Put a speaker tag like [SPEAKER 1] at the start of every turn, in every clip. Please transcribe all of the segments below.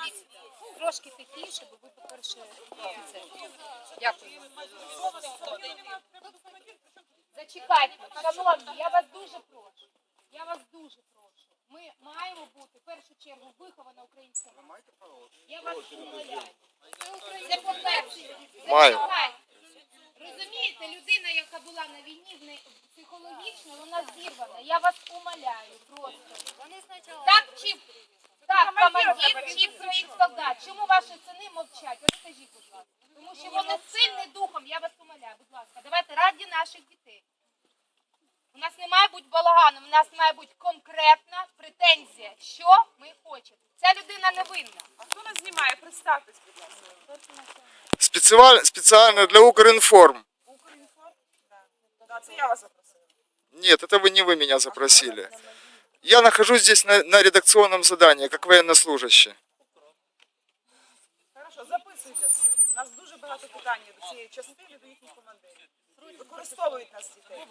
[SPEAKER 1] Дивіться, трошки тихіше, бо ви, по-перше, офіцер. Дякую. Зачекайте, шановні, я вас дуже прошу. Я вас дуже прошу. Ми маємо бути, в першу чергу, вихована українська мова. Я вас умоляю. Це по-перше. Зачекайте. Розумієте, людина, яка була на війні, психологічно, вона зірвана. Я вас умоляю просто. Так чи... Так, командир чи проїзд солдат. Чому ваші сини мовчать? От скажіть, будь ласка. Тому що вони сильні духом, я вас умоляю, будь ласка. Давайте раді наших дітей. У нас не має бути балагану, у нас має бути конкретна претензія, що ми хочемо. Ця людина невинна.
[SPEAKER 2] А хто нас знімає? Представтесь, будь ласка.
[SPEAKER 3] Специально для Укринформ.
[SPEAKER 2] Укрінформ? Так, це я вас запросила.
[SPEAKER 3] Нет, это не вы меня запросили. Я нахожусь здесь на редакционном задании, как военнослужащий.
[SPEAKER 2] Хорошо, записуйте все. У нас дуже багато питань до цієї частини, до їхніх командирів. Використовують нас дітей.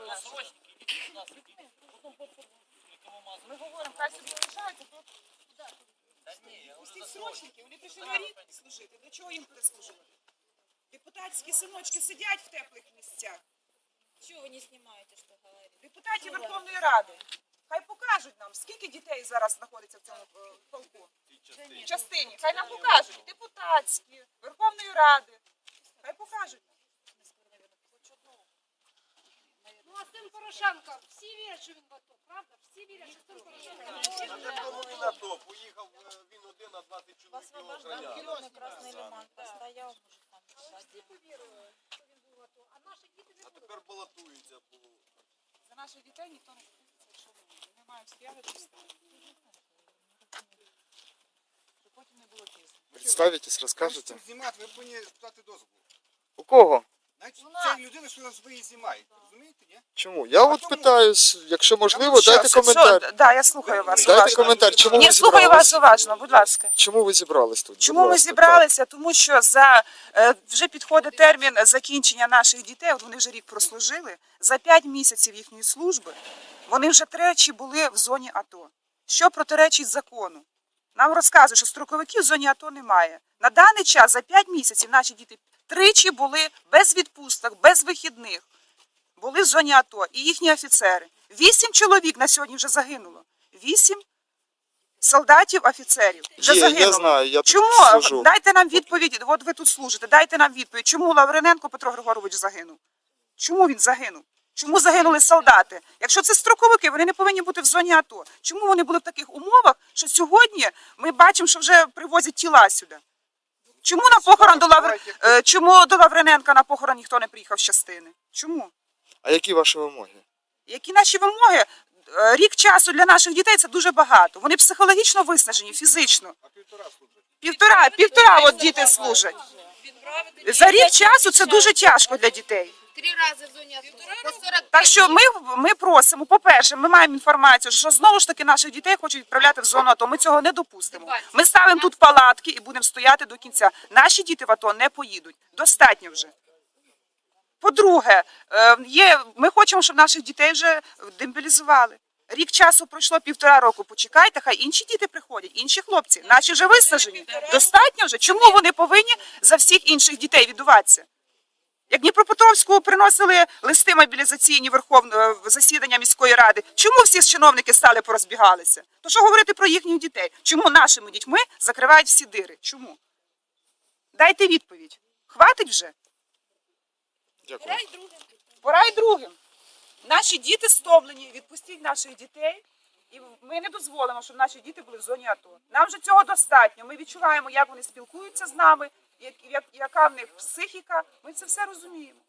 [SPEAKER 2] Ми говоримо, хай собі лишаються, то... Пустіть срочники, вони прийшли на рік служити. Для чого їм переслужувати? Депутатські синочки сидять в теплих місцях.
[SPEAKER 4] Чего вы не снимаете, что говорите?
[SPEAKER 2] Депутатів Верховної Ради. Хай покажуть нам, скільки дітей зараз знаходиться в цьому полку. В частині. Хай нам покажуть. Депутатські, Верховної Ради. Хай покажуть.
[SPEAKER 5] Ну а син Порошенка, всі вірять, що він в АТО, правда? Всі вірять, що син Порошенка.
[SPEAKER 6] Він на то, поїхав він один на 20 чоловік його охороняли.
[SPEAKER 4] На Красный Лиман постоял, может там.
[SPEAKER 5] Всі повірили, що він був в АТо, а наші діти не
[SPEAKER 6] А
[SPEAKER 5] будуть.
[SPEAKER 6] тепер балотується по...
[SPEAKER 2] За наших дітей ніхто не купиться, якщо ми можемо. Ми маємо стояти і ставити. Щоб потім не було пізно.
[SPEAKER 3] Представитесь, расскажете?
[SPEAKER 7] Знімати, ви повинні питати дозволу.
[SPEAKER 3] У кого?
[SPEAKER 7] Значить, це людина, що нас ви її знімаєте. Розумієте, ні?
[SPEAKER 3] Чому? Я от
[SPEAKER 7] тому-
[SPEAKER 3] питаюсь, якщо можливо, дайте коментар.
[SPEAKER 2] Да, я слухаю вас.
[SPEAKER 3] Дайте
[SPEAKER 2] уважно.
[SPEAKER 3] коментар, чому ви
[SPEAKER 2] Ні, слухаю
[SPEAKER 3] зібрались?
[SPEAKER 2] вас уважно, будь ласка.
[SPEAKER 3] Чому ви зібрались тут?
[SPEAKER 2] Чому
[SPEAKER 3] Будь
[SPEAKER 2] ми
[SPEAKER 3] ласка,
[SPEAKER 2] зібралися? Тому що вже підходить термін закінчення наших дітей, от вони вже рік прослужили, за 5 місяців їхньої служби вони вже тричі були в зоні АТО. Що протиречить закону? Нам розказують, що строковиків в зоні АТО немає. На даний час за 5 місяців наші діти тричі були без відпусток, без вихідних. Були в зоні АТО і їхні офіцери. 8 чоловік на сьогодні вже загинуло. 8 солдатів, офіцерів вже
[SPEAKER 3] Є,
[SPEAKER 2] загинуло.
[SPEAKER 3] я знаю, я тут
[SPEAKER 2] Чому?
[SPEAKER 3] служу.
[SPEAKER 2] Дайте нам відповідь, от ви тут служите, дайте нам відповідь. Чому Лавриненко Петро Григорович загинув? Чому він загинув? Чому загинули солдати? Якщо це строковики, вони не повинні бути в зоні АТО. Чому вони були в таких умовах, що сьогодні ми бачимо, що вже привозять тіла сюди? Чому на похорон чому до Лавриненка на похорон ніхто не приїхав з частини? Чому?
[SPEAKER 3] А які ваші вимоги?
[SPEAKER 2] Які наші вимоги? Рік часу для наших дітей – це дуже багато. Вони психологічно виснажені, фізично.
[SPEAKER 7] А півтора служить.
[SPEAKER 2] Півтора от діти служать. За рік часу це дуже тяжко для дітей.
[SPEAKER 1] 3 рази в зоні АТО. По 40
[SPEAKER 2] Так що ми просимо, по-перше, ми маємо інформацію, що знову ж таки наших дітей хочуть відправляти в зону АТО. Ми цього не допустимо. Ми ставимо тут палатки і будемо стояти до кінця. Наші діти в АТО не поїдуть. Достатньо вже. По-друге, ми хочемо, щоб наших дітей вже демобілізували. Рік часу пройшло, 1,5 року. Почекайте, хай інші діти приходять, інші хлопці. Наші вже висаджені. Достатньо вже. Чому вони повинні за всіх інших дітей віддуватися? Як Дніпропетровську приносили листи мобілізаційні в засідання міської ради, чому всі чиновники стали порозбігалися? То що говорити про їхніх дітей? Чому нашими дітьми закривають всі дири? Чому? Дайте відповідь. Хватить вже?
[SPEAKER 3] Дякую.
[SPEAKER 2] Пора й другим. Наші діти стомлені, відпустіть наших дітей. І ми не дозволимо, щоб наші діти були в зоні АТО. Нам вже цього достатньо. Ми відчуваємо, як вони спілкуються з нами, яка в них психіка. Ми це все розуміємо.